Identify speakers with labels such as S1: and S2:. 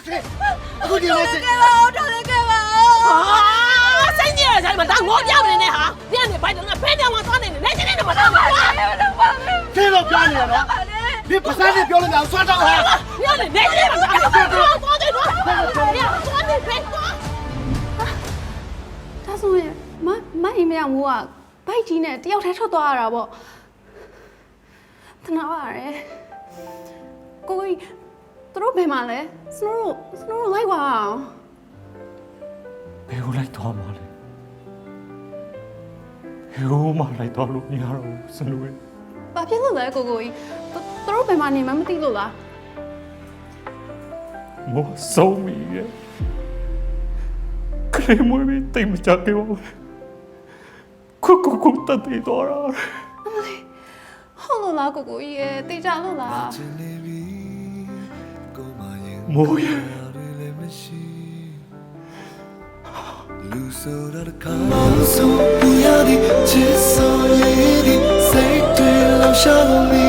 S1: အခုဒီမှာစစ်
S2: ကဲပါဦးတော်လေးကဲပါဦးစိတ်ကြီးရဆိုင်မှာဒါငေါပြမနေနဲ့ဟာပြနေဘိုက်တော့ဖဲတောင်မှသွားနေနေချင်းနေမှာတော့ပါတော့ပါ
S1: ခဲတော့ပြနေရနော်ဒီပစံနဲ့ပြောလို့များဆွတ်တော့ဟာ
S2: ပြနေနေချင်းမှာသွားတယ်သွားတယ်သွားတယ်ဖဲသွား
S3: ဒါဆိုရင်မအိမ်မရမိုးကဘိုက်ကြီးနဲ့တယောက်တည်းထွက်သွားရတာပေါ့တနာပါရယ်ကိုကြီးသူတို့ဘယ်မှာလဲစနိုးတို့လိုက်ပါအောင်
S4: ဘယ်ကိုလိုက်သွားမှာလဲဘယ်ကိုမှလိုက်သွားလို့မရတော့ဘူးစနူရဲ့
S3: ဘာဖြစ်လို့လဲကိုကြီးသူတို့ဘယ်မှာနေမှမသိလို့လား
S4: မောဆုံးပြီရဲ့ခရီးမွေးပြီးတိတ်မကြခဲ့ပါဘူးခုတတ်သေးတော့တာ
S3: ဟုတ်လို့လားကိုကြီးရဲ့တေချာလို့လား
S4: မိုးရဲ့
S5: လူဆိုရတဲ့ခါဆိုပြရသည်ချစ်ဆိုရည်ဒီစိတ်တွေလောက်ရှာလို့